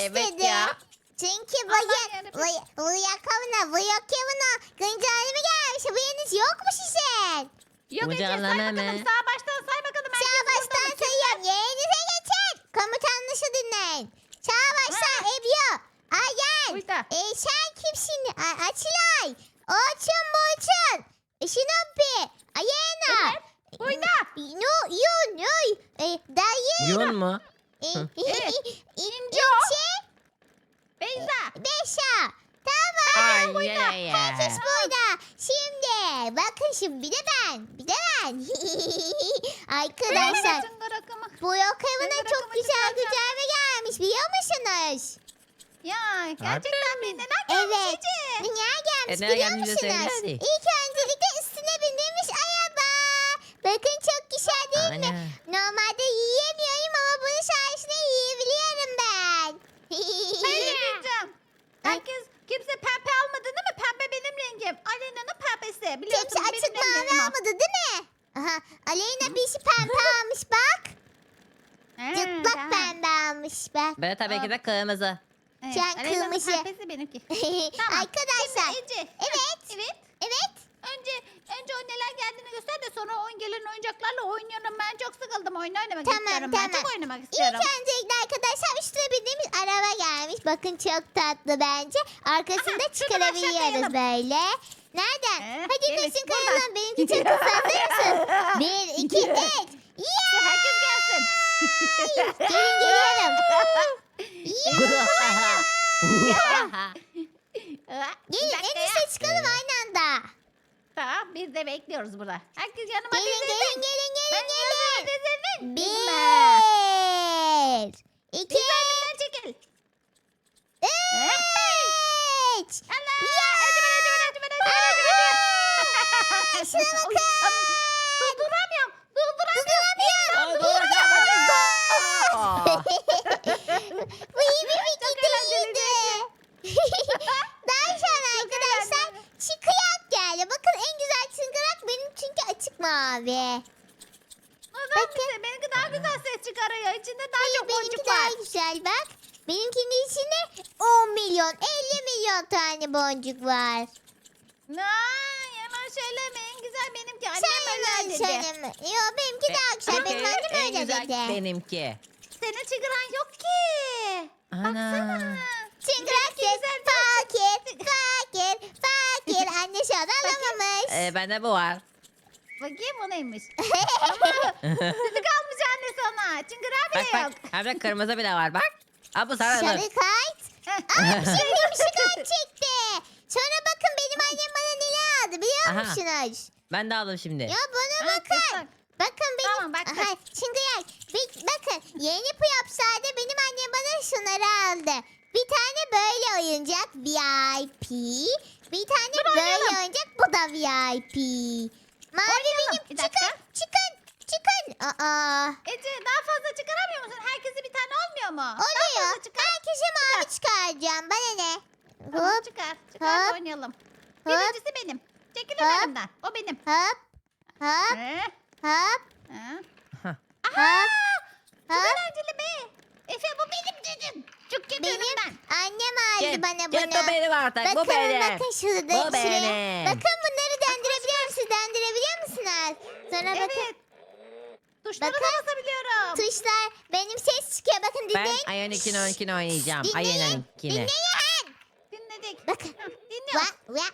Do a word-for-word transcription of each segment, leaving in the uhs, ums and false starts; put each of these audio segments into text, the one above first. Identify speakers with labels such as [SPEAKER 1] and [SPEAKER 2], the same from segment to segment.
[SPEAKER 1] istedim.
[SPEAKER 2] ya.
[SPEAKER 1] Çünkü bu,
[SPEAKER 3] Allah
[SPEAKER 1] ya,
[SPEAKER 3] yarabbim.
[SPEAKER 1] bu, bu yakavına, bu yakavına güncelleme gelmiş. Haberiniz yok mu sizin?
[SPEAKER 3] Yok Ece say
[SPEAKER 2] Ucalama mı?
[SPEAKER 3] bakalım. Sağ baştan say bakalım.
[SPEAKER 1] Sağ
[SPEAKER 3] Herkes burada
[SPEAKER 1] baştan
[SPEAKER 3] mı?
[SPEAKER 1] sayıyorum. Yerinize geçin. Komutanlışı dinleyin. Sağ baştan Ebru. Ayan.
[SPEAKER 3] Burada.
[SPEAKER 1] E, sen kimsin? A Açılay. Orçun Burçun. Şinopi. Ayena.
[SPEAKER 3] Evet. Burada.
[SPEAKER 1] No, yun, yoy. E, dayı.
[SPEAKER 2] Yun mu?
[SPEAKER 1] E,
[SPEAKER 3] Evet.
[SPEAKER 1] İnce.
[SPEAKER 3] Beyza.
[SPEAKER 1] Beşa. Tamam.
[SPEAKER 2] Ay ya ya.
[SPEAKER 1] Herkes burada. Şimdi bakın şimdi bir de ben. Bir de ben. Arkadaşlar
[SPEAKER 3] Çıngır akımı.
[SPEAKER 1] bu yok evine
[SPEAKER 3] Çıngır
[SPEAKER 1] çok
[SPEAKER 3] akımı
[SPEAKER 1] güzel
[SPEAKER 3] çıkaracağım.
[SPEAKER 1] güncelleme gelmiş biliyor musunuz?
[SPEAKER 3] Ya gerçekten mi? Neler gelmiş
[SPEAKER 1] Evet.
[SPEAKER 3] Ece?
[SPEAKER 1] Dünya gelmiş
[SPEAKER 2] E, ne
[SPEAKER 1] biliyor
[SPEAKER 2] gelmiş de söyle
[SPEAKER 1] musunuz?
[SPEAKER 2] hadi.
[SPEAKER 1] İlk öncelikle üstüne bindirmiş araba. Bakın çok güzel değil mi?
[SPEAKER 2] Ana.
[SPEAKER 1] Normalde yiyemiyorum ama bunun sayesinde yiyebiliyorum ben.
[SPEAKER 3] Ben ne diyeceğim? Herkes kimse pembe almadı değil mi? Pembe benim rengim. Alena'nın pembesi. Biliyorsun
[SPEAKER 1] Kimse
[SPEAKER 3] benim
[SPEAKER 1] açık mavi
[SPEAKER 3] rengim o.
[SPEAKER 1] almadı değil mi? Aha, Aleyna bir şey pembe almış bak.
[SPEAKER 3] He,
[SPEAKER 1] Cıplak
[SPEAKER 3] tamam.
[SPEAKER 1] pembe almış bak.
[SPEAKER 2] Ben tabii ki de kırmızı.
[SPEAKER 3] Evet,
[SPEAKER 1] Sen
[SPEAKER 3] Alena'nın
[SPEAKER 1] kırmızı.
[SPEAKER 3] pembesi benimki. Tamam.
[SPEAKER 1] Arkadaşlar.
[SPEAKER 3] Şimdi Ece.
[SPEAKER 1] Evet.
[SPEAKER 3] Evet.
[SPEAKER 1] Evet.
[SPEAKER 3] Önce önce o neler geldiğini göster de sonra oyun gelen oyuncaklarla oynuyorum. Ben çok sıkıldım. Oyun oynamak
[SPEAKER 1] Tamam,
[SPEAKER 3] istiyorum.
[SPEAKER 1] tamam.
[SPEAKER 3] Ben çok oynamak
[SPEAKER 1] İlk
[SPEAKER 3] istiyorum.
[SPEAKER 1] öncelikle arkadaşlar üstüne bindiğimiz araba gelmiş. Bakın çok tatlı bence. Arkasında
[SPEAKER 3] Aha, şuradan
[SPEAKER 1] çıkarabiliyoruz
[SPEAKER 3] aşağı
[SPEAKER 1] böyle. Nereden?
[SPEAKER 3] Ee,
[SPEAKER 1] Hadi
[SPEAKER 3] gelin,
[SPEAKER 1] kaçın
[SPEAKER 3] buradan.
[SPEAKER 1] kayalım. Benimki çok hızlı. Hazır mısın? Bir, iki, üç. Yeah!
[SPEAKER 3] Herkes gelsin.
[SPEAKER 1] Gelin geliyorum.
[SPEAKER 3] Bir
[SPEAKER 1] Gelin
[SPEAKER 3] dakika
[SPEAKER 1] en
[SPEAKER 3] ya.
[SPEAKER 1] üstte çıkalım aynı anda.
[SPEAKER 3] Tamam biz de bekliyoruz burada. Herkes yanıma
[SPEAKER 1] Gelin
[SPEAKER 3] dizilsin.
[SPEAKER 1] gelin gelin
[SPEAKER 3] Ben
[SPEAKER 1] gelin
[SPEAKER 3] yanıma
[SPEAKER 1] gelin.
[SPEAKER 3] dizilin.
[SPEAKER 1] Bir, iki,
[SPEAKER 3] Bir önümden çekil.
[SPEAKER 1] üç.
[SPEAKER 3] Allah. Acıma acıma acıma acıma acıma.
[SPEAKER 1] Şuna bakın.
[SPEAKER 3] Durduramıyorum. Durduramıyorum.
[SPEAKER 1] Bu iyi bir fikir değildi. Daha sonra arkadaşlar çıkıyak geldi. Bakın en güzel çıkırak benim çünkü açık mavi.
[SPEAKER 3] Bakın. Bize, benimki daha güzel ses çıkarıyor. İçinde daha
[SPEAKER 1] Hayır
[SPEAKER 3] çok
[SPEAKER 1] benimki
[SPEAKER 3] boncuk
[SPEAKER 1] daha
[SPEAKER 3] var.
[SPEAKER 1] güzel bak. Benimkinin içinde on milyon elli milyon tane boncuk var.
[SPEAKER 3] Aa, yalan söyleme. En güzel benimki. Annem
[SPEAKER 1] Sen
[SPEAKER 3] öyle
[SPEAKER 1] yalan
[SPEAKER 3] dedi.
[SPEAKER 1] söyleme. Yo benimki daha güzel. Benim annem
[SPEAKER 2] En
[SPEAKER 1] öyle
[SPEAKER 2] güzel
[SPEAKER 1] dedi.
[SPEAKER 2] benimki.
[SPEAKER 3] Senin çıkaran yok ki. Baksana.
[SPEAKER 2] Ana.
[SPEAKER 1] Çıngırak
[SPEAKER 3] Benimki
[SPEAKER 1] ses
[SPEAKER 3] güzel
[SPEAKER 1] fakir fakir fakir. Anne şu an alamamış.
[SPEAKER 2] Ee, bende bu var.
[SPEAKER 3] Bakayım o neymiş. Ama sütü kalmış anne sana. Çıngırağı
[SPEAKER 2] Bak
[SPEAKER 3] bile yok.
[SPEAKER 2] bak. Hem de kırmızı bile var bak. Aa, bu sarı.
[SPEAKER 1] Sarı kayıt. Ay şimdi ışıklar çekti. Sonra bakın benim annem bana neler aldı biliyor
[SPEAKER 2] Aha.
[SPEAKER 1] musunuz?
[SPEAKER 2] Ben de aldım şimdi.
[SPEAKER 1] Ya bana
[SPEAKER 3] Ha,
[SPEAKER 1] bakın.
[SPEAKER 3] kızım.
[SPEAKER 1] Bakın benim.
[SPEAKER 3] Tamam, baktık.
[SPEAKER 1] Aha, Çıngırak. Bir- bakın yeni Puyapsa'da benim annem bana şunları aldı. Bir tane böyle oyuncak V I P. Bir tane
[SPEAKER 3] Dur,
[SPEAKER 1] böyle
[SPEAKER 3] oynayalım.
[SPEAKER 1] oyuncak bu da V I P. Mavi
[SPEAKER 3] Oynayalım.
[SPEAKER 1] benim.
[SPEAKER 3] Bir
[SPEAKER 1] Çıkın
[SPEAKER 3] dakika.
[SPEAKER 1] çıkın çıkın. Aa.
[SPEAKER 3] Ece daha fazla çıkaramıyor musun? Herkese bir tane olmuyor mu? Daha
[SPEAKER 1] Oluyor.
[SPEAKER 3] fazla çıkar.
[SPEAKER 1] Herkese mavi çıkaracağım. Bana ne?
[SPEAKER 3] Tamam,
[SPEAKER 1] Hop
[SPEAKER 3] çıkar. Çıkar
[SPEAKER 1] hop,
[SPEAKER 3] oynayalım.
[SPEAKER 1] hop.
[SPEAKER 3] Birincisi benim. Çekil
[SPEAKER 1] Hop.
[SPEAKER 3] önümden. O benim.
[SPEAKER 1] hop hop
[SPEAKER 3] Ee,
[SPEAKER 1] hop
[SPEAKER 3] ha.
[SPEAKER 1] hop.
[SPEAKER 3] Çok
[SPEAKER 1] Hop.
[SPEAKER 3] eğlenceli be. Efe bu benim dedim. Çok kötü
[SPEAKER 1] Benim
[SPEAKER 3] önümden.
[SPEAKER 1] annem aldı
[SPEAKER 2] Gel,
[SPEAKER 1] bana
[SPEAKER 2] gel
[SPEAKER 1] bunu.
[SPEAKER 2] bu benim artık.
[SPEAKER 1] Bakın
[SPEAKER 2] bu benim.
[SPEAKER 1] bakın şurada
[SPEAKER 2] Bu
[SPEAKER 1] şuraya.
[SPEAKER 2] benim.
[SPEAKER 1] Bakın bunları döndürebiliyor musunuz? Döndürebiliyor musunuz? Sonra bakın
[SPEAKER 3] Evet. Tuşlara
[SPEAKER 1] Bakın.
[SPEAKER 3] da basabiliyorum.
[SPEAKER 1] tuşlar benim ses çıkıyor. Bakın
[SPEAKER 2] Ben
[SPEAKER 1] dinleyin.
[SPEAKER 2] Ayın ikini onkini oynayacağım.
[SPEAKER 1] Dinleyin.
[SPEAKER 2] Ayın ikini.
[SPEAKER 1] Dinleyin.
[SPEAKER 3] Dinledik.
[SPEAKER 1] Bakın.
[SPEAKER 3] Hı, Dinliyoruz.
[SPEAKER 1] Va, va.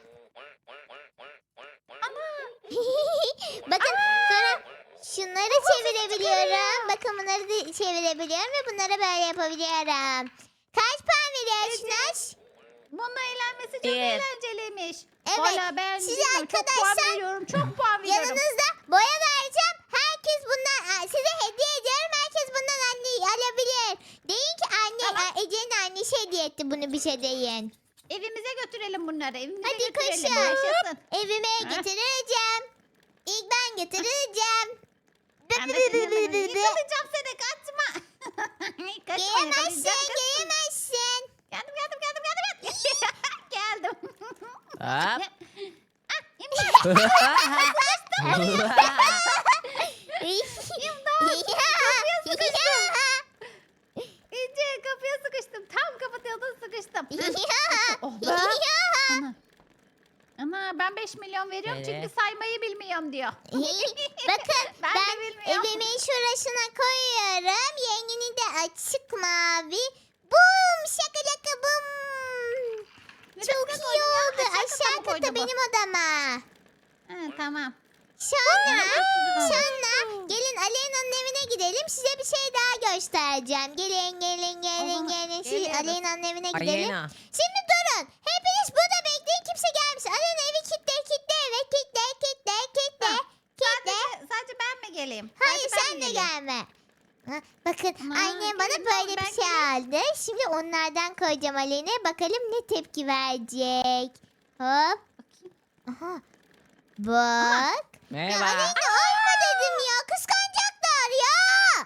[SPEAKER 3] Ana.
[SPEAKER 1] Bakın sonra şunları çevirebiliyorum. Bakın bunları da çevirebiliyorum ve bunları böyle yapabiliyorum. Kaç puan veriyorsunuz?
[SPEAKER 3] Bununla eğlenmesi çok
[SPEAKER 2] Bir.
[SPEAKER 3] eğlenceliymiş.
[SPEAKER 1] Evet,
[SPEAKER 3] Valla ben
[SPEAKER 1] size
[SPEAKER 3] bilmiyorum, çok puan
[SPEAKER 1] arkadaşlar
[SPEAKER 3] veriyorum. Çok puan veriyorum.
[SPEAKER 1] Yanınızda boya vereceğim. Herkes bundan Aa, size hediye ediyorum. Herkes bundan anne alabilir. Deyin ki anne
[SPEAKER 3] Tamam.
[SPEAKER 1] Aa, Ece'nin annesi hediye etti bunu bize deyin.
[SPEAKER 3] Evimize götürelim bunları. Evimize
[SPEAKER 1] Hadi
[SPEAKER 3] götürelim.
[SPEAKER 1] koşun.
[SPEAKER 3] Yaşasın.
[SPEAKER 1] Evime
[SPEAKER 3] Ha?
[SPEAKER 1] getireceğim. İlk ben getireceğim.
[SPEAKER 3] Ben de seni hemen yıkılacağım seni kaçma. Kaçma,
[SPEAKER 1] Gelemezsin,
[SPEAKER 3] yakalayacağım, kaçma.
[SPEAKER 1] gelemezsin.
[SPEAKER 3] Geldim geldim geldim geldim. geldim.
[SPEAKER 2] Hop.
[SPEAKER 3] Ah, imdat. İmdat. Kapıya sıkıştım. İnce kapıya sıkıştım. Tam Ana ben beş milyon veriyorum
[SPEAKER 2] Nereye?
[SPEAKER 3] çünkü saymayı bilmiyorum diyor.
[SPEAKER 1] Bakın
[SPEAKER 3] Ben
[SPEAKER 1] ben,
[SPEAKER 3] de bilmiyorum.
[SPEAKER 1] evimin şurasına koyuyorum. Yengini de açık mavi. Bum şakalaka bum.
[SPEAKER 3] Neresine
[SPEAKER 1] Çok
[SPEAKER 3] koydun
[SPEAKER 1] iyi
[SPEAKER 3] ya?
[SPEAKER 1] oldu.
[SPEAKER 3] Aşağı kata
[SPEAKER 1] Aşağı
[SPEAKER 3] mı koydu
[SPEAKER 1] kata
[SPEAKER 3] bu?
[SPEAKER 1] benim odama.
[SPEAKER 3] Ha, tamam.
[SPEAKER 1] Sonra,
[SPEAKER 3] Aa,
[SPEAKER 1] sonra gelin Aleyna'nın evine gidelim. Size bir şey daha göstereceğim. Gelin, gelin, gelin,
[SPEAKER 3] Aha,
[SPEAKER 1] gelin. Siz
[SPEAKER 3] geliyoruz.
[SPEAKER 1] Aleyna'nın evine gidelim.
[SPEAKER 2] Aleyna.
[SPEAKER 1] Şimdi durun. Hepiniz burada bekleyin. Kimse gelmesin. Aleyna evi kitle, kitle eve. Kitle, kitle, kitle,
[SPEAKER 3] Ha,
[SPEAKER 1] kitle.
[SPEAKER 3] Sadece, sadece ben mi geleyim?
[SPEAKER 1] Hayır
[SPEAKER 3] Sadece ben
[SPEAKER 1] sen
[SPEAKER 3] mi
[SPEAKER 1] de
[SPEAKER 3] geleyim?
[SPEAKER 1] gelme. Ha, bakın
[SPEAKER 3] Aman,
[SPEAKER 1] annem bana
[SPEAKER 3] gelin,
[SPEAKER 1] böyle
[SPEAKER 3] ben
[SPEAKER 1] bir şey aldı. Şimdi onlardan koyacağım Aleyna'ya. Bakalım ne tepki verecek. Hop.
[SPEAKER 3] Bakayım.
[SPEAKER 1] Aha. Bak. Ya
[SPEAKER 2] Merhaba.
[SPEAKER 1] Aleyna alma dedim ya. Kıskanacaklar ya.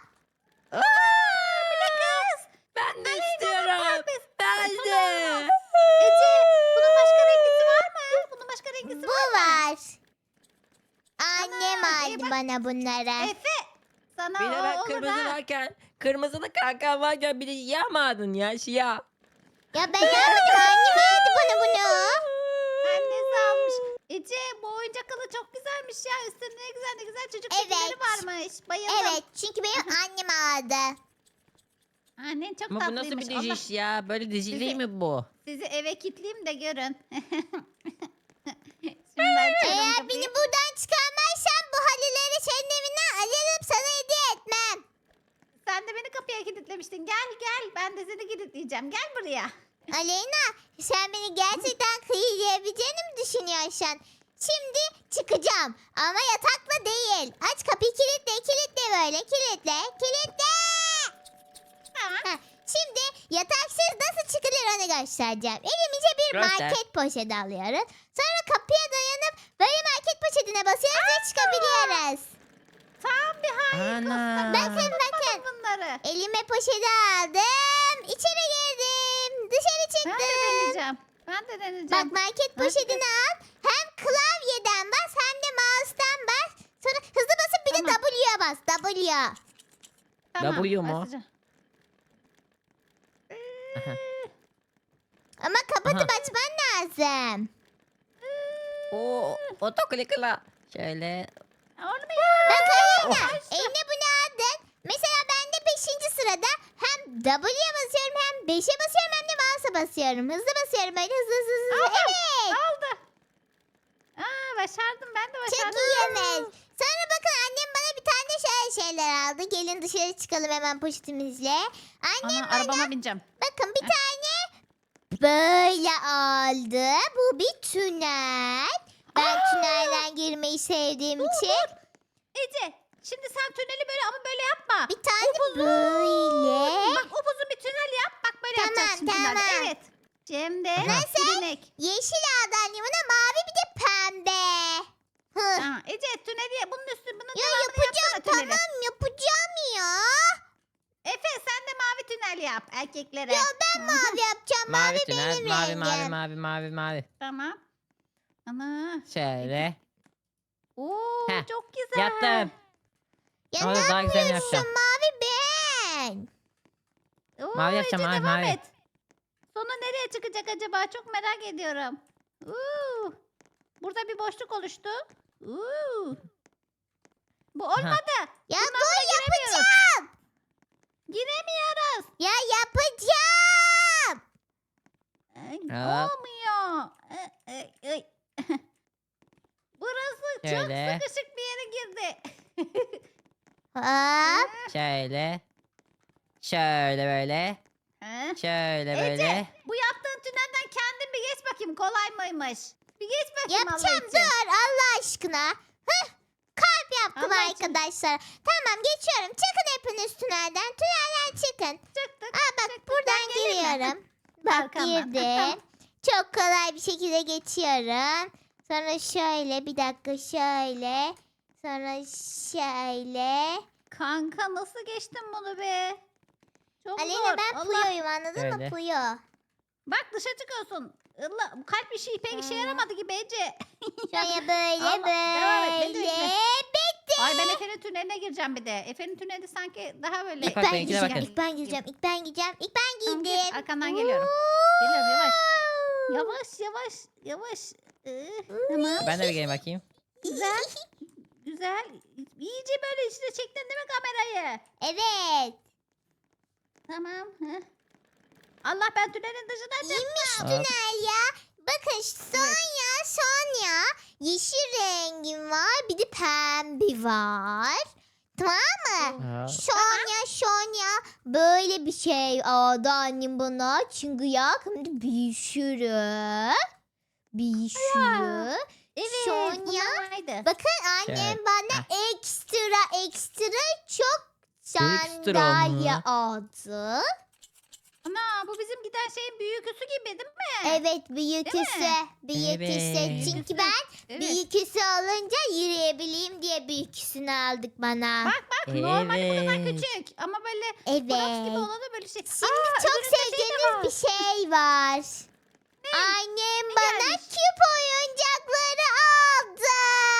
[SPEAKER 2] Aa, bir de kız. Ben de istiyorum.
[SPEAKER 3] pembesi.
[SPEAKER 2] Ben de.
[SPEAKER 3] Ece bunun başka rengisi var mı? Bunun başka rengisi
[SPEAKER 1] Bu
[SPEAKER 3] var mı?
[SPEAKER 1] var. Annem
[SPEAKER 3] Ana, iyi
[SPEAKER 1] aldı
[SPEAKER 3] bak.
[SPEAKER 1] bana bunları.
[SPEAKER 3] Efe sana
[SPEAKER 2] Bir de
[SPEAKER 3] o
[SPEAKER 2] ben
[SPEAKER 3] olur
[SPEAKER 2] kırmızı
[SPEAKER 3] ha.
[SPEAKER 2] varken, kırmızılı kankan varken bir de yamadın ya şia.
[SPEAKER 1] Ya ben yapmadım. Annem aldı bana bunu.
[SPEAKER 3] Annesi almış. Ece bu oyuncak alı çok güzelmiş ya. Üstünde ne güzel ne güzel çocuk
[SPEAKER 1] Evet.
[SPEAKER 3] figürleri varmış. Bayıldım.
[SPEAKER 1] Evet çünkü benim annem aldı.
[SPEAKER 3] Annen çok
[SPEAKER 2] Ama bu nasıl
[SPEAKER 3] tatlıymış.
[SPEAKER 2] bir
[SPEAKER 3] Allah
[SPEAKER 2] dijiş ya? Böyle dizi
[SPEAKER 3] Sizi-
[SPEAKER 2] değil mi bu?
[SPEAKER 3] sizi eve kilitleyeyim de görün. Şimdi açıyorum
[SPEAKER 1] Eğer
[SPEAKER 3] kapıyı.
[SPEAKER 1] beni buradan çıkarmazsan bu halileri senin evinden alırım sana hediye etmem.
[SPEAKER 3] Sen de beni kapıya kilitlemiştin. Gel gel. Ben de seni kilitleyeceğim. Gel buraya.
[SPEAKER 1] Aleyna sen beni gerçekten kıyılayabileceğini mi düşünüyorsun? Şimdi çıkacağım ama yatakla değil. Aç kapıyı kilitle kilitle böyle kilitle kilitle.
[SPEAKER 3] Tamam.
[SPEAKER 1] Heh, şimdi yataksız nasıl çıkılır onu göstereceğim. Elimize bir
[SPEAKER 2] Göster.
[SPEAKER 1] market poşeti alıyoruz. Sonra kapıya dayanıp böyle market poşetine basıyoruz ve çıkabiliyoruz.
[SPEAKER 3] Tam bir hain
[SPEAKER 2] Ana.
[SPEAKER 1] Bakın bakın.
[SPEAKER 3] bunları.
[SPEAKER 1] Elime poşeti aldım. İçeri girdim. Dışarı
[SPEAKER 3] Ben de
[SPEAKER 1] çıktım.
[SPEAKER 3] deneyeceğim. Ben de deneyeceğim.
[SPEAKER 1] Bak market poşetini al. Hem klavyeden bas hem de mouse'dan bas. Sonra hızlı basıp bir de
[SPEAKER 3] Tamam.
[SPEAKER 1] W'ye bas. W.
[SPEAKER 3] Tamam,
[SPEAKER 2] W mu?
[SPEAKER 3] basacağım.
[SPEAKER 2] Aha.
[SPEAKER 1] Ama kapatıp
[SPEAKER 2] Aha.
[SPEAKER 1] açman lazım.
[SPEAKER 2] Oo, otoklikla. Şöyle.
[SPEAKER 3] Olmuyor.
[SPEAKER 1] Bak Aleyna.
[SPEAKER 2] Oh.
[SPEAKER 1] Eline bunu aldın. Mesela ben de beşinci sırada hem W'ye basıyorum hem beşe basıyorum hem de mouse'a basıyorum. Hızlı basıyorum böyle hızlı hızlı hızlı.
[SPEAKER 3] Aldım.
[SPEAKER 1] Evet.
[SPEAKER 3] Oldu. Aa, başardım. Ben de
[SPEAKER 1] Çok
[SPEAKER 3] başardım.
[SPEAKER 1] iyi Emel. Sonra bakın annem bana bir tane şöyle şeyler aldı. Gelin dışarı çıkalım hemen poşetimizle. Annem
[SPEAKER 3] Ana, arabama bineceğim.
[SPEAKER 1] bakın bir tane böyle aldı. Bu bir tünel. Ben
[SPEAKER 3] Aa!
[SPEAKER 1] tünelden girmeyi sevdiğim için.
[SPEAKER 3] Ece, şimdi sen tüneli böyle ama böyle yapma.
[SPEAKER 1] Bir tane böyle.
[SPEAKER 3] Bak upuzun bir tünel yap. Bak böyle
[SPEAKER 1] Tamam,
[SPEAKER 3] yapacaksın tünelde.
[SPEAKER 1] tamam.
[SPEAKER 3] Evet. Şimdi
[SPEAKER 2] Nasıl?
[SPEAKER 3] silinek.
[SPEAKER 1] Yeşil aldı annem ona mavi bir de pembe. Hı.
[SPEAKER 3] Aa, Ece tüneli yap. Bunun üstü bunun
[SPEAKER 1] Ya
[SPEAKER 3] devamını
[SPEAKER 1] yapacağım
[SPEAKER 3] yapsana tüneli.
[SPEAKER 1] tamam yapacağım ya.
[SPEAKER 3] Efe sen de mavi tünel yap erkeklere.
[SPEAKER 1] Ya ben mavi yapacağım. Mavi,
[SPEAKER 2] Mavi tünel,
[SPEAKER 1] benim
[SPEAKER 2] mavi,
[SPEAKER 1] rengim.
[SPEAKER 2] mavi, mavi, mavi, mavi.
[SPEAKER 3] Tamam. Ana.
[SPEAKER 2] Şöyle.
[SPEAKER 3] Oo
[SPEAKER 2] Heh,
[SPEAKER 3] çok güzel.
[SPEAKER 2] Yaptım.
[SPEAKER 1] Ya
[SPEAKER 2] Ama
[SPEAKER 1] ne
[SPEAKER 2] daha güzel
[SPEAKER 1] yapıyorsun?
[SPEAKER 2] yapacağım.
[SPEAKER 1] Mavi ben.
[SPEAKER 3] Oo,
[SPEAKER 2] Mavi yapacağım,
[SPEAKER 3] Ece
[SPEAKER 2] mavi,
[SPEAKER 3] devam
[SPEAKER 2] mavi.
[SPEAKER 3] et. Sonu nereye çıkacak acaba? Çok merak ediyorum. Oo. Burada bir boşluk oluştu. Oo. Bu olmadı.
[SPEAKER 1] Ya
[SPEAKER 3] Bundan
[SPEAKER 1] dur
[SPEAKER 3] sonra giremiyoruz.
[SPEAKER 1] yapacağım.
[SPEAKER 3] Giremiyoruz.
[SPEAKER 1] Ya yapacağım.
[SPEAKER 3] Ay,
[SPEAKER 2] Evet.
[SPEAKER 3] olmuyor. Ay, ay, ay. Burası
[SPEAKER 2] Şöyle.
[SPEAKER 3] çok sıkışık bir yere girdi.
[SPEAKER 1] Hop.
[SPEAKER 2] Şöyle. Şöyle böyle.
[SPEAKER 3] Ha?
[SPEAKER 2] Şöyle
[SPEAKER 3] Ece,
[SPEAKER 2] böyle.
[SPEAKER 3] bu yaptığın tünelden kendin bir geç bakayım. Kolay mıymış? Bir geç bakayım Allah
[SPEAKER 1] Yapacağım
[SPEAKER 3] için.
[SPEAKER 1] dur Allah aşkına. Hıh. Kalp yaptım
[SPEAKER 3] Allah için.
[SPEAKER 1] arkadaşlar. Tamam geçiyorum. Çıkın hepiniz tünelden. Tünelden çıkın.
[SPEAKER 3] Çıktık.
[SPEAKER 1] Aa bak
[SPEAKER 3] çıktık.
[SPEAKER 1] buradan
[SPEAKER 3] Ben geleyim mi?
[SPEAKER 1] giriyorum. Bak
[SPEAKER 3] Arkamdan.
[SPEAKER 1] girdim.
[SPEAKER 3] Tamam.
[SPEAKER 1] Çok kolay bir şekilde geçiyorum. Sonra şöyle bir dakika şöyle. Sonra şöyle.
[SPEAKER 3] Kanka nasıl geçtin bunu be? Çok
[SPEAKER 1] Aleyna
[SPEAKER 3] zor.
[SPEAKER 1] ben
[SPEAKER 3] Allah.
[SPEAKER 1] Puyo'yum anladın mı
[SPEAKER 2] Öyle.
[SPEAKER 1] Puyo?
[SPEAKER 3] Bak dışa çıkıyorsun. Allah, bu kalp işi pek işe
[SPEAKER 1] Hı.
[SPEAKER 3] yaramadı gibi Ece.
[SPEAKER 1] Şöyle böyle
[SPEAKER 3] Allah, devam et, beni
[SPEAKER 1] böyle.
[SPEAKER 3] bekle.
[SPEAKER 1] Bitti.
[SPEAKER 3] Ay ben Efe'nin tüneline gireceğim bir de. Efe'nin tüneli sanki daha böyle.
[SPEAKER 1] İlk
[SPEAKER 2] Bak,
[SPEAKER 1] ben
[SPEAKER 2] benimkine
[SPEAKER 1] gireceğim,
[SPEAKER 2] bakın.
[SPEAKER 1] ilk ben gireceğim, ilk ben gireceğim, ilk ben
[SPEAKER 3] Tamam, gir.
[SPEAKER 1] girdim.
[SPEAKER 3] Arkandan geliyorum. Geliyorum, yavaş.
[SPEAKER 1] Woo!
[SPEAKER 3] Yavaş yavaş yavaş. Ih, tamam.
[SPEAKER 2] Ben de bir geleyim bakayım.
[SPEAKER 3] Güzel. Güzel. İyice böyle içine çektin değil mi kamerayı?
[SPEAKER 1] Evet.
[SPEAKER 3] Tamam. Heh. Allah ben tünelin dışına çıktım.
[SPEAKER 1] İyiymiş
[SPEAKER 2] Hop.
[SPEAKER 1] tünel ya. Bakın Sonya, Sonya. Yeşil rengim var. Bir de pembe var. Tamam mı?
[SPEAKER 2] Hop.
[SPEAKER 1] Sonya, Sonya. Böyle bir şey aldı annem bana. Çünkü ya şimdi bir sürü. Bir sürü.
[SPEAKER 3] Evet.
[SPEAKER 1] Sonya.
[SPEAKER 3] bunlar vardı.
[SPEAKER 1] Bakın annem
[SPEAKER 2] Şey,
[SPEAKER 1] bana ekstra ekstra çok
[SPEAKER 2] Ekstra
[SPEAKER 1] sandalye
[SPEAKER 2] mı?
[SPEAKER 1] aldı.
[SPEAKER 3] Ana bu bizim giden şeyin büyüküsü gibi değil mi?
[SPEAKER 1] Evet büyüküsü.
[SPEAKER 3] mi?
[SPEAKER 1] Büyüküsü.
[SPEAKER 2] Evet.
[SPEAKER 1] Çünkü ben
[SPEAKER 3] Evet.
[SPEAKER 1] büyüküsü alınca yürüyebileyim diye büyüküsünü aldık bana.
[SPEAKER 3] Bak bak normalde bu kadar
[SPEAKER 2] Evet.
[SPEAKER 3] küçük. Ama böyle
[SPEAKER 1] Evet.
[SPEAKER 3] Borax gibi olanı böyle şey.
[SPEAKER 1] Şimdi
[SPEAKER 3] Aa,
[SPEAKER 1] çok
[SPEAKER 3] öbüründe şey de
[SPEAKER 1] sevdiğiniz
[SPEAKER 3] var.
[SPEAKER 1] bir şey var. Annem
[SPEAKER 3] Ne
[SPEAKER 1] bana
[SPEAKER 3] gelmiş?
[SPEAKER 1] küp oyuncakları aldı.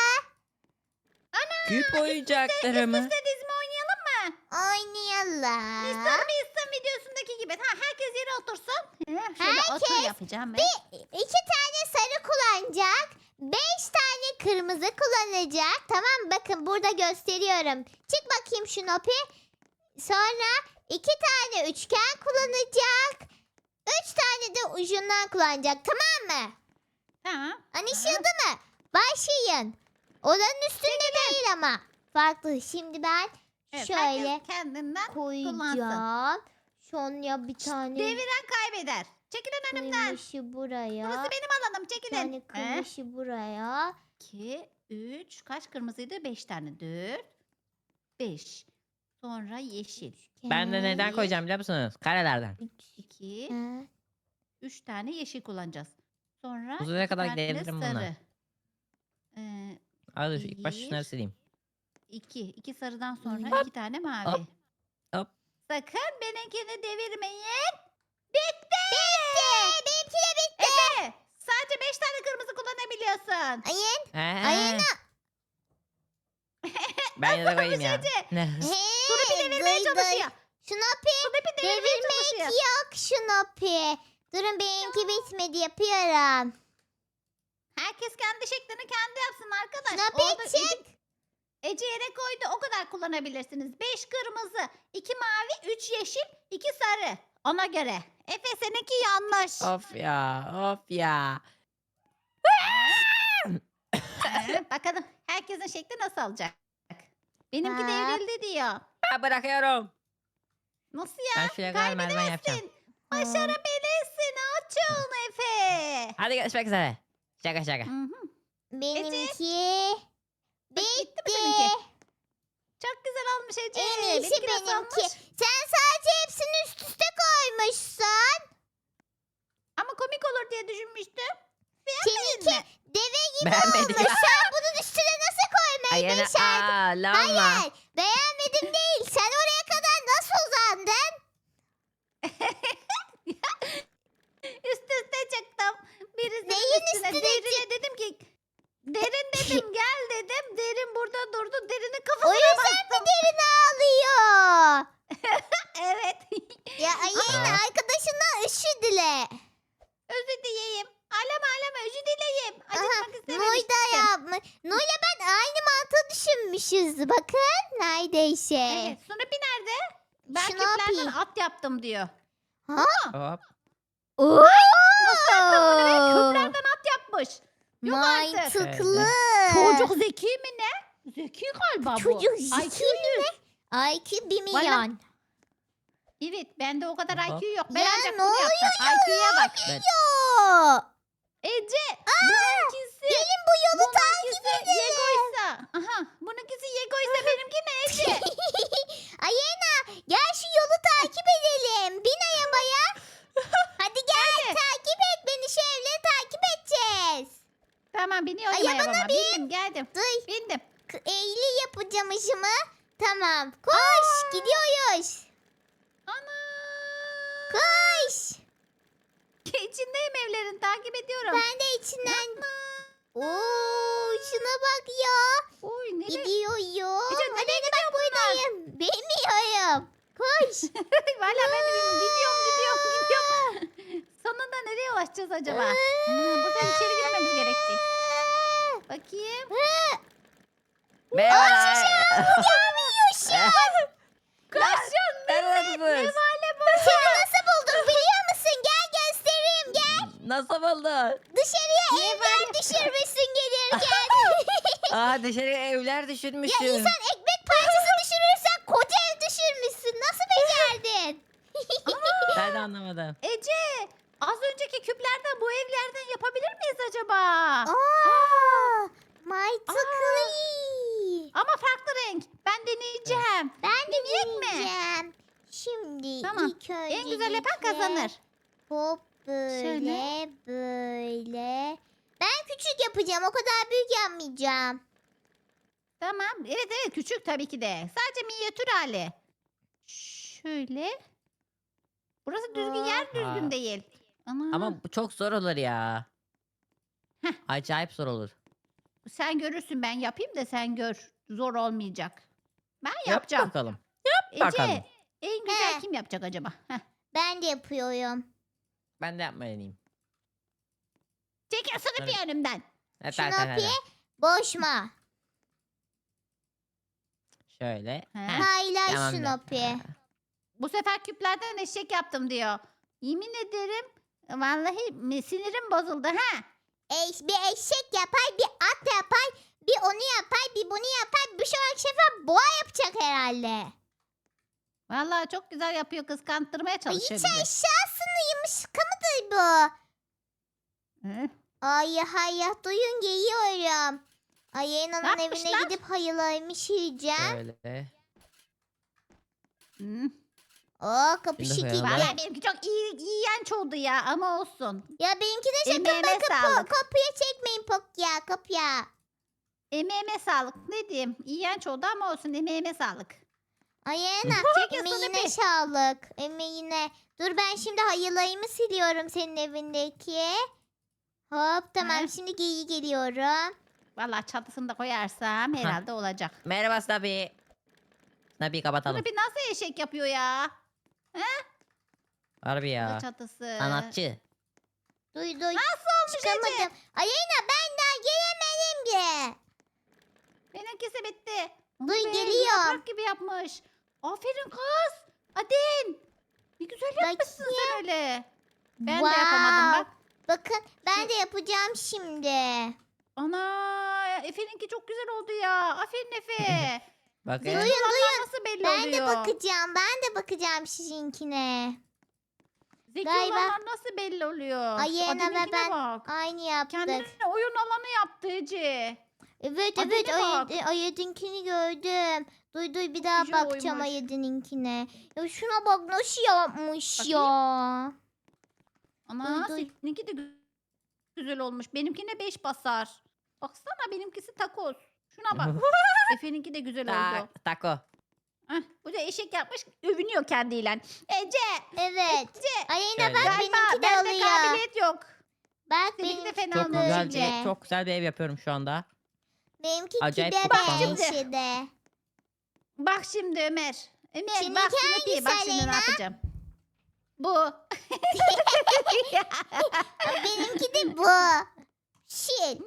[SPEAKER 2] Küp oyuncakları mı?
[SPEAKER 3] İstediğiniz mi oynayalım mı?
[SPEAKER 1] Oynayalım.
[SPEAKER 3] Mr. Beast'in videosundaki gibi. Ha, herkes yere otursun. Heh, Şöyle otur
[SPEAKER 1] Herkes
[SPEAKER 3] yapacağım ben.
[SPEAKER 1] Bir, iki tane sarı kullanacak. Beş tane kırmızı kullanacak. Tamam mı? Bakın burada gösteriyorum. Çık bakayım şu Nopi. Sonra iki tane üçgen kullanacak. Üç tane de ucundan kullanacak. Tamam mı?
[SPEAKER 3] Tamam.
[SPEAKER 1] Anlaşıldı mı? Başlayın. Odanın üstünde değil ama. Farklı. Şimdi ben
[SPEAKER 3] Evet,
[SPEAKER 1] şöyle
[SPEAKER 3] herkes kendinden
[SPEAKER 1] koyacağım. Sonya bir tane
[SPEAKER 3] deviren kaybeder. Çekilin önümden.
[SPEAKER 1] kırmızı buraya.
[SPEAKER 3] Burası benim alanım.
[SPEAKER 1] Bir
[SPEAKER 3] Çekilin.
[SPEAKER 1] tane
[SPEAKER 3] Eh,
[SPEAKER 1] kırmızı buraya.
[SPEAKER 3] iki, üç. Kaç kırmızıydı? Beş tane. Dört. Beş. Sonra yeşil.
[SPEAKER 2] Ben de neden
[SPEAKER 1] Bir,
[SPEAKER 2] koyacağım biliyor musunuz? Karelerden.
[SPEAKER 1] üç,
[SPEAKER 3] İki.
[SPEAKER 1] dört.
[SPEAKER 3] Üç tane yeşil kullanacağız. Sonra
[SPEAKER 2] Uzaya
[SPEAKER 3] iki
[SPEAKER 2] kadar
[SPEAKER 3] tane de
[SPEAKER 2] gidebilirim bununla.
[SPEAKER 3] sarı. Ee,
[SPEAKER 2] Al ilk baş
[SPEAKER 3] Bir.
[SPEAKER 2] şunları sileyim.
[SPEAKER 3] iki. İki sarıdan sonra
[SPEAKER 1] Hop.
[SPEAKER 3] iki tane mavi.
[SPEAKER 2] Hop. Hop.
[SPEAKER 3] Sakın benimkini devirmeyin.
[SPEAKER 1] Bitti. Benimki de bitti.
[SPEAKER 3] Efe sadece beş tane kırmızı kullanabiliyorsun.
[SPEAKER 1] Ayın.
[SPEAKER 2] Ee,
[SPEAKER 1] Ayın.
[SPEAKER 2] Ben yine de koyayım ya.
[SPEAKER 3] Ece?
[SPEAKER 2] Ne?
[SPEAKER 1] Hey,
[SPEAKER 3] devirmeye
[SPEAKER 1] duy, duy.
[SPEAKER 3] çalışıyor.
[SPEAKER 1] Şunopi
[SPEAKER 3] Snoopy devirmeye
[SPEAKER 1] devirmek
[SPEAKER 3] çalışıyor.
[SPEAKER 1] yok Şunopi. Durun benimki bitmedi yapıyorum.
[SPEAKER 3] Herkes kendi şeklini kendi yapsın arkadaş.
[SPEAKER 1] Snoopy
[SPEAKER 3] Orada
[SPEAKER 1] çık.
[SPEAKER 3] Ece, Ece yere koydu o kadar kullanabilirsiniz. Beş kırmızı, iki mavi, üç yeşil, iki sarı. Ona göre. Efe seninki yanlış.
[SPEAKER 2] Of ya. Of ya.
[SPEAKER 3] Ee, bakalım herkesin şekli nasıl olacak? Benimki
[SPEAKER 1] Ha.
[SPEAKER 3] devrildi diyor.
[SPEAKER 2] Ha, bırakıyorum.
[SPEAKER 3] Nasıl
[SPEAKER 2] Ben
[SPEAKER 3] ya?
[SPEAKER 2] şuraya kadar merdiven yapacağım.
[SPEAKER 3] Kaybedersin. Başarabilirsin. Açın Efe.
[SPEAKER 2] Hadi görüşmek üzere. Şaka şaka.
[SPEAKER 3] Hı hı.
[SPEAKER 1] Benimki
[SPEAKER 3] Bitti mi
[SPEAKER 1] bitti.
[SPEAKER 3] seninki? Çok güzel olmuş Ece.
[SPEAKER 1] En iyisi
[SPEAKER 3] Benimki nasıl
[SPEAKER 1] benimki.
[SPEAKER 3] olmuş?
[SPEAKER 1] Sen sadece hepsini üst üste koymuşsun.
[SPEAKER 3] Ama komik olur diye düşünmüştüm.
[SPEAKER 1] Seninki
[SPEAKER 3] mi?
[SPEAKER 1] deve gibi
[SPEAKER 2] Beğenmedim.
[SPEAKER 1] olmuş. Sen bunun üstüne nasıl koymayı
[SPEAKER 2] Ayağını
[SPEAKER 1] başardın?
[SPEAKER 2] ağlama.
[SPEAKER 1] Hayır. Beğenmedim değil. Sen oraya kadar nasıl uzandın?
[SPEAKER 3] Üst üste çıktım. Birisinin
[SPEAKER 1] Neyin
[SPEAKER 3] üstüne.
[SPEAKER 1] üstüne
[SPEAKER 3] Derine dedim ki derin dedim gel dedim. Derin burada durdu. Derinin
[SPEAKER 1] O
[SPEAKER 3] kafasına
[SPEAKER 1] yüzden
[SPEAKER 3] bastım.
[SPEAKER 1] mi derin ağlıyor?
[SPEAKER 3] Evet.
[SPEAKER 1] Ya yine
[SPEAKER 2] Aa.
[SPEAKER 1] arkadaşından özür dile.
[SPEAKER 3] Özür dileyeyim. Ağlama ağlama özür dileyeyim.
[SPEAKER 1] Aha,
[SPEAKER 3] Acıtmak
[SPEAKER 1] Noy
[SPEAKER 3] istememiştim.
[SPEAKER 1] da yapmış. Noy'la ben aynı mantığı düşünmüşüz. Bakın neredeyse.
[SPEAKER 3] Evet. Snoopy nerede? Ben
[SPEAKER 1] Snoopy.
[SPEAKER 3] küplerden at yaptım diyor.
[SPEAKER 1] Ha?
[SPEAKER 2] Hop.
[SPEAKER 1] Oo!
[SPEAKER 3] Küplerden at yapmış. Yok artık.
[SPEAKER 1] Mantıklı.
[SPEAKER 3] Çocuk zeki mi ne? Zeki galiba bu.
[SPEAKER 1] Çocuk
[SPEAKER 3] I
[SPEAKER 1] zeki
[SPEAKER 3] Q yüz.
[SPEAKER 1] I Q bir
[SPEAKER 3] Valla.
[SPEAKER 1] milyon.
[SPEAKER 3] Evet bende o kadar
[SPEAKER 2] Aha.
[SPEAKER 3] I Q yok. Ben
[SPEAKER 1] Ya
[SPEAKER 3] ancak
[SPEAKER 1] ne
[SPEAKER 3] bunu yaptım. I Q'ya bak.
[SPEAKER 2] Ben-
[SPEAKER 1] Yo.
[SPEAKER 3] Ece bununkisi.
[SPEAKER 1] Gelin bu yolu takip
[SPEAKER 3] Bununkisi Yego'ysa. Aha bununkisi Yego'ysa benimki ne Ece?
[SPEAKER 1] Ayena gel şu yolu takip edelim. Bin arabaya. Hadi gel
[SPEAKER 3] Hadi.
[SPEAKER 1] takip et beni, şu evleri takip edeceğiz.
[SPEAKER 3] Tamam biniyorum
[SPEAKER 1] Ay,
[SPEAKER 3] arabama.
[SPEAKER 1] bana
[SPEAKER 3] Bindim geldim.
[SPEAKER 1] Duy.
[SPEAKER 3] Bindim.
[SPEAKER 1] K- Eğili yapacağım işimi. Tamam. Koş. Gidiyoruz.
[SPEAKER 3] Ana.
[SPEAKER 1] Koş.
[SPEAKER 3] İçindeyim evlerin takip ediyorum.
[SPEAKER 1] Ben de içinden. Oo, şuna bak ya.
[SPEAKER 3] Oy nereye?
[SPEAKER 1] Gidiyorum.
[SPEAKER 3] Ece,
[SPEAKER 1] Hadi
[SPEAKER 3] nereye
[SPEAKER 1] bak buradayım. Bilmiyorum. Koş.
[SPEAKER 3] Valla ben de bilmiyorum. Gidiyorum gidiyorum gidiyorum. Sonunda sonunda nereye ulaşacağız acaba? Hmm, buradan içeri girmemiz gerekecek. Bakayım.
[SPEAKER 2] Merhaba.
[SPEAKER 3] Koşun
[SPEAKER 2] Neredesiniz?
[SPEAKER 3] millet. Ne bu?
[SPEAKER 1] Seni nasıl buldum biliyor musun? Gel göstereyim gel.
[SPEAKER 2] Nasıl buldu?
[SPEAKER 1] Dışarıya evler düşürmüşsün gelirken.
[SPEAKER 2] Aa dışarıya evler
[SPEAKER 1] Ya
[SPEAKER 2] düşürmüşsün.
[SPEAKER 1] insan ekmek parçası düşürürsen koca ev düşürmüşsün. Nasıl becerdin?
[SPEAKER 2] Ben de anlamadım.
[SPEAKER 3] Ece az önceki küplerden bu evlerden yapabilir miyiz acaba?
[SPEAKER 1] Aa, mantıklı.
[SPEAKER 3] Ama farklı renk. Ben deneyeceğim.
[SPEAKER 1] Ben de
[SPEAKER 3] Deneyecek mi?
[SPEAKER 1] deneyeceğim. Şimdi
[SPEAKER 3] Tamam.
[SPEAKER 1] ilk önce
[SPEAKER 3] En güzel yapan kazanır.
[SPEAKER 1] Hop böyle
[SPEAKER 3] Şöyle.
[SPEAKER 1] böyle. Ben küçük yapacağım. O kadar büyük yapmayacağım.
[SPEAKER 3] Tamam. Evet evet küçük tabii ki de. Sadece minyatür hali. Şöyle. Burası düzgün yer
[SPEAKER 2] Aa.
[SPEAKER 3] düzgün değil. Ana.
[SPEAKER 2] Ama bu çok zor olur ya.
[SPEAKER 3] Heh.
[SPEAKER 2] Acayip zor olur.
[SPEAKER 3] Sen görürsün ben yapayım da sen gör. Zor olmayacak. Ben
[SPEAKER 2] Yap
[SPEAKER 3] yapacağım.
[SPEAKER 2] bakalım.
[SPEAKER 3] Ece
[SPEAKER 2] bakalım.
[SPEAKER 3] en güzel
[SPEAKER 1] He.
[SPEAKER 3] kim yapacak acaba? Heh.
[SPEAKER 1] Ben de yapıyorum.
[SPEAKER 2] Ben de yapmayı deneyeyim.
[SPEAKER 3] Çekil sınıf
[SPEAKER 2] Evet.
[SPEAKER 3] önümden.
[SPEAKER 2] Evet,
[SPEAKER 1] Şunu
[SPEAKER 2] evet, evet,
[SPEAKER 1] yapayım.
[SPEAKER 2] evet.
[SPEAKER 1] Boşma.
[SPEAKER 2] Şöyle.
[SPEAKER 3] He.
[SPEAKER 2] Heh,
[SPEAKER 1] Paylaş
[SPEAKER 2] tamam
[SPEAKER 1] şunu
[SPEAKER 2] da.
[SPEAKER 1] yapayım.
[SPEAKER 3] Bu sefer küplerden eşek yaptım diyor. Yemin ederim vallahi mi- sinirim bozuldu ha.
[SPEAKER 1] Eş, bir eşek yapar, bir at yapar, bir onu yapar, bir bunu yapar. Bir sonraki sefer boğa yapacak herhalde.
[SPEAKER 3] Vallahi çok güzel yapıyor kıskandırmaya
[SPEAKER 1] Ay,
[SPEAKER 3] çalışıyor
[SPEAKER 1] hiç
[SPEAKER 3] bizi.
[SPEAKER 1] aşağısını yumuşaka mıdır bu?
[SPEAKER 3] Hı?
[SPEAKER 1] Ay hayır duyun geliyorum. Ay Ena'nın evine
[SPEAKER 3] yapmışlar?
[SPEAKER 1] gidip hayılarmış yiyeceğim.
[SPEAKER 2] Şöyle.
[SPEAKER 3] Hı.
[SPEAKER 1] Oo kapı
[SPEAKER 2] Şimdi
[SPEAKER 1] şekilli.
[SPEAKER 2] koyalım.
[SPEAKER 3] Vallahi benimki çok iyi, iğrenç oldu ya ama olsun.
[SPEAKER 1] Ya benimki de sakın
[SPEAKER 3] Emeğime
[SPEAKER 1] bakıp
[SPEAKER 3] sağlık.
[SPEAKER 1] kapıya çekmeyin pok ya kapıya.
[SPEAKER 3] Emeğime sağlık. Ne diyeyim? İğrenç oldu ama olsun emeğime sağlık.
[SPEAKER 1] Ay Ena
[SPEAKER 3] Çekil
[SPEAKER 1] emeğine
[SPEAKER 3] Snoopy.
[SPEAKER 1] sağlık. Emeğine. Dur ben şimdi hayılayımı siliyorum senin evindeki. Hop tamam
[SPEAKER 3] He.
[SPEAKER 1] şimdi geri geliyorum.
[SPEAKER 3] Vallahi çatısını da koyarsam herhalde olacak.
[SPEAKER 2] Merhaba Snappy. Snappy'yi kapatalım.
[SPEAKER 3] Snoopy nasıl eşek yapıyor ya?
[SPEAKER 2] Harbi
[SPEAKER 3] Bu da
[SPEAKER 2] ya.
[SPEAKER 3] çatısı.
[SPEAKER 2] Sanatçı.
[SPEAKER 1] Duy duy.
[SPEAKER 3] Nasıl olmuş Ece?
[SPEAKER 1] Çıkamadım. Ay Ena ben daha gelemedim ki.
[SPEAKER 3] Benimkisi bitti. Onu
[SPEAKER 1] Duy,
[SPEAKER 3] be,
[SPEAKER 1] geliyorum.
[SPEAKER 3] yaprak gibi yapmış. Aferin kız. Adin. Ne güzel yapmışsın sen öyle. Ben de yapamadım bak.
[SPEAKER 1] Bakın ben
[SPEAKER 3] Şu-
[SPEAKER 1] de yapacağım şimdi.
[SPEAKER 3] Ana Efe'ninki çok güzel oldu ya. Aferin Efe.
[SPEAKER 2] Bakın.
[SPEAKER 1] Duyun
[SPEAKER 3] Olanlar
[SPEAKER 1] duyun.
[SPEAKER 3] nasıl belli
[SPEAKER 1] Ben
[SPEAKER 3] oluyor?
[SPEAKER 1] de bakacağım. Ben de bakacağım sizinkine.
[SPEAKER 3] Zeki
[SPEAKER 1] Galiba-
[SPEAKER 3] olanlar nasıl belli oluyor?
[SPEAKER 1] Ay,
[SPEAKER 3] Şu
[SPEAKER 1] Yena ve
[SPEAKER 3] Adin'inkine
[SPEAKER 1] ben
[SPEAKER 3] bak.
[SPEAKER 1] Aynı yaptık.
[SPEAKER 3] Kendine oyun alanı yaptı Ece.
[SPEAKER 1] Evet
[SPEAKER 3] Adine
[SPEAKER 1] evet
[SPEAKER 3] bak.
[SPEAKER 1] Ay- Ayed'inkini gördüm. Duy duy bir daha
[SPEAKER 3] Güzel
[SPEAKER 1] bakacağım
[SPEAKER 3] oymuş.
[SPEAKER 1] Ayed'inkine. Ya şuna bak nasıl yapmış
[SPEAKER 3] Bakayım.
[SPEAKER 1] ya.
[SPEAKER 3] Ana
[SPEAKER 1] Duy, duy.
[SPEAKER 3] seninki de gü- güzel olmuş. Benimkine beş basar. Baksana benimkisi takoz. Şuna bak. Efe'ninki de güzel oldu.
[SPEAKER 2] Ta taco.
[SPEAKER 3] Heh, bu da eşek yapmış. Övünüyor kendiyle. Ece.
[SPEAKER 1] Evet.
[SPEAKER 3] Ece.
[SPEAKER 1] Aleyna
[SPEAKER 2] Şöyle.
[SPEAKER 1] bak
[SPEAKER 3] Galiba
[SPEAKER 1] benimki de
[SPEAKER 3] bende
[SPEAKER 1] oluyor.
[SPEAKER 3] kabiliyet yok.
[SPEAKER 1] Bak
[SPEAKER 3] Seninki de
[SPEAKER 1] benimki
[SPEAKER 3] fena
[SPEAKER 2] Çok
[SPEAKER 3] olmuş
[SPEAKER 2] güzel
[SPEAKER 1] böyle.
[SPEAKER 2] bir çok güzel bir ev yapıyorum şu anda.
[SPEAKER 1] Benimki
[SPEAKER 2] Acayip
[SPEAKER 1] de
[SPEAKER 2] kutlandım.
[SPEAKER 1] benimki de.
[SPEAKER 3] Bak şimdi Ömer. Ömer
[SPEAKER 1] Seninki
[SPEAKER 3] bak Snoopy. Bak
[SPEAKER 1] hangisi
[SPEAKER 3] şimdi ne
[SPEAKER 1] Aleyna?
[SPEAKER 3] yapacağım. Bu.
[SPEAKER 1] Benimki de bu. Şil.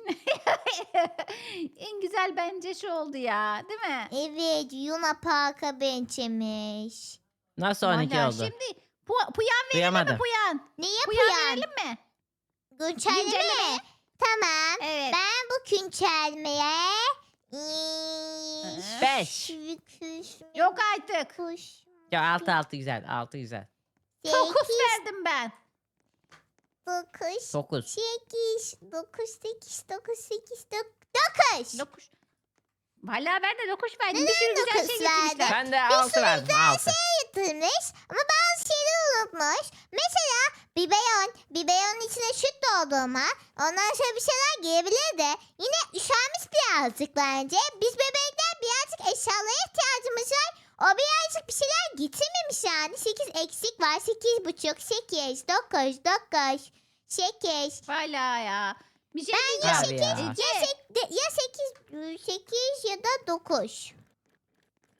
[SPEAKER 3] En güzel bence şu oldu ya. Değil mi?
[SPEAKER 1] Evet Yuna Park'a benzemiş.
[SPEAKER 2] Nasıl on iki
[SPEAKER 3] Vallahi
[SPEAKER 2] oldu?
[SPEAKER 3] Şimdi pu puyan verelim
[SPEAKER 2] Duyamadım.
[SPEAKER 3] mi puyan?
[SPEAKER 1] Ne
[SPEAKER 3] Puyan
[SPEAKER 1] yapıyorsun?
[SPEAKER 3] verelim mi?
[SPEAKER 1] Güncelleme
[SPEAKER 3] Güncelleme.
[SPEAKER 1] mi? Tamam.
[SPEAKER 3] Evet.
[SPEAKER 1] Ben bu güncellemeye eee,
[SPEAKER 2] Beş.
[SPEAKER 1] kuş-
[SPEAKER 3] Yok artık.
[SPEAKER 1] kuş-
[SPEAKER 2] Ya altı altı güzel. altı güzel.
[SPEAKER 3] Dokuz
[SPEAKER 1] sekiz,
[SPEAKER 3] verdim ben.
[SPEAKER 1] dokuz,
[SPEAKER 2] dokuz.
[SPEAKER 1] sekiz, dokuz, sekiz, dokuz, sekiz, dokuz.
[SPEAKER 3] Dokuz. Vallahi ben de dokuz verdim. Bir sürü güzel
[SPEAKER 1] dokuz
[SPEAKER 3] şey getirmişler.
[SPEAKER 2] Ben de altı verdim. altı.
[SPEAKER 1] Yatırmış ama bazı şeyleri unutmuş. Mesela biberon, biberonun içine süt doldurma. Ondan sonra bir şeyler girebilir de. Yine üşenmiş birazcık bence. Biz bebekler birazcık eşyalara ihtiyacımız var. O birazcık bir şeyler getirmemiş yani. sekiz eksik var. sekiz buçuk, sekiz, dokuz, dokuz, sekiz.
[SPEAKER 3] Vallahi ya. Bir şey
[SPEAKER 1] Ben
[SPEAKER 3] diyeceğim.
[SPEAKER 2] Abi ya.
[SPEAKER 3] Ece,
[SPEAKER 1] Ya, sek, de- ya sekiz, sekiz ya da dokuz.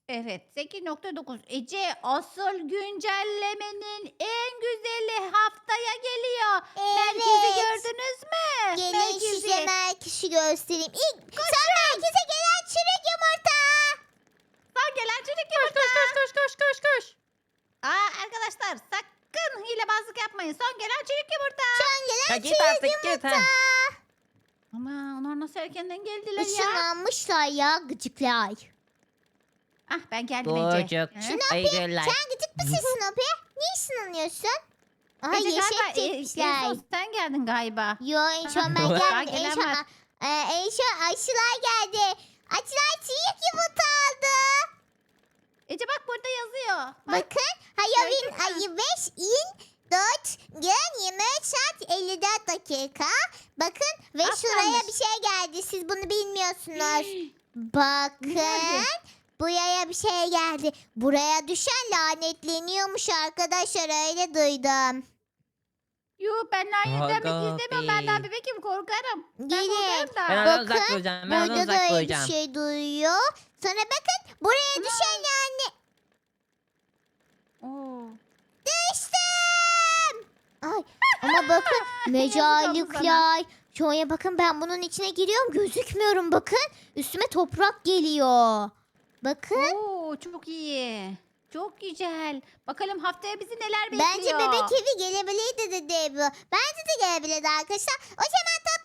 [SPEAKER 3] Evet sekiz nokta dokuz. Ece asıl güncellemenin en güzeli haftaya geliyor. Merkezi
[SPEAKER 1] Evet.
[SPEAKER 3] gördünüz mü?
[SPEAKER 1] Gelin
[SPEAKER 3] Merkezi.
[SPEAKER 1] size merkezi göstereyim. İlk sen merkeze gelen çürük yumurta.
[SPEAKER 3] Son gelen çocuk
[SPEAKER 2] Koş
[SPEAKER 3] yumurta.
[SPEAKER 2] koş koş koş koş koş koş.
[SPEAKER 3] Aa, arkadaşlar sakın hilebazlık yapmayın. Son gelen çocuk yumurta.
[SPEAKER 1] Son
[SPEAKER 2] Ya
[SPEAKER 1] gelen
[SPEAKER 2] git
[SPEAKER 1] çürük
[SPEAKER 2] artık git
[SPEAKER 1] yumurta.
[SPEAKER 2] ha.
[SPEAKER 3] Ama onlar nasıl erkenden geldiler ya?
[SPEAKER 1] Işınlanmışlar ya gıcıklar.
[SPEAKER 3] Ah ben geldim Ece.
[SPEAKER 2] Çocuk.
[SPEAKER 3] He?
[SPEAKER 2] Ay güller.
[SPEAKER 1] Sen gıcık mısın Snoopy? Niye ışınlanıyorsun? Aha
[SPEAKER 3] Ece
[SPEAKER 1] yeşil
[SPEAKER 3] galiba e, en
[SPEAKER 1] çekmişler.
[SPEAKER 3] son sen geldin galiba.
[SPEAKER 1] Yo en son ben
[SPEAKER 2] Daha
[SPEAKER 1] gelmedim. En
[SPEAKER 3] gelen
[SPEAKER 1] son,
[SPEAKER 3] var.
[SPEAKER 1] e, en son aşılar geldi. Aşılar çiğ yumurta aldı.
[SPEAKER 3] Ece bak burada yazıyor. Bak.
[SPEAKER 1] Bakın Halloween
[SPEAKER 3] Gördün mü?
[SPEAKER 1] ayı beş in dört gün yirmi üç saat elli dört dakika. Bakın ve
[SPEAKER 3] Az
[SPEAKER 1] şuraya
[SPEAKER 3] kalmış.
[SPEAKER 1] bir şey geldi. Siz bunu bilmiyorsunuz. Bakın.
[SPEAKER 3] geldi?
[SPEAKER 1] Buraya bir şey geldi. Buraya düşen lanetleniyormuş arkadaşlar öyle duydum.
[SPEAKER 3] Yuh ben lanetlenmek
[SPEAKER 2] Aga
[SPEAKER 3] istemiyorum. Ben
[SPEAKER 2] be.
[SPEAKER 3] daha bebekim korkarım. Ben
[SPEAKER 1] Gelin.
[SPEAKER 3] korkarım da.
[SPEAKER 2] Ben oradan
[SPEAKER 1] Bakın,
[SPEAKER 2] uzak duracağım. Ben oradan
[SPEAKER 1] Burada da
[SPEAKER 2] uzak
[SPEAKER 1] öyle bir
[SPEAKER 2] duracağım.
[SPEAKER 1] şey duyuyor. Sonra bakın buraya
[SPEAKER 3] Ana.
[SPEAKER 1] düşen lane...
[SPEAKER 3] Oo.
[SPEAKER 1] Düştüm. Ay ama bakın mecalikler. Şuraya bakın ben bunun içine giriyorum gözükmüyorum bakın. Üstüme toprak geliyor. Bakın.
[SPEAKER 3] Oo, çok iyi. Çok güzel. Bakalım haftaya bizi neler bekliyor.
[SPEAKER 1] Bence bebek evi gelebilirdi dedi bu. Bence de gelebilirdi arkadaşlar. O zaman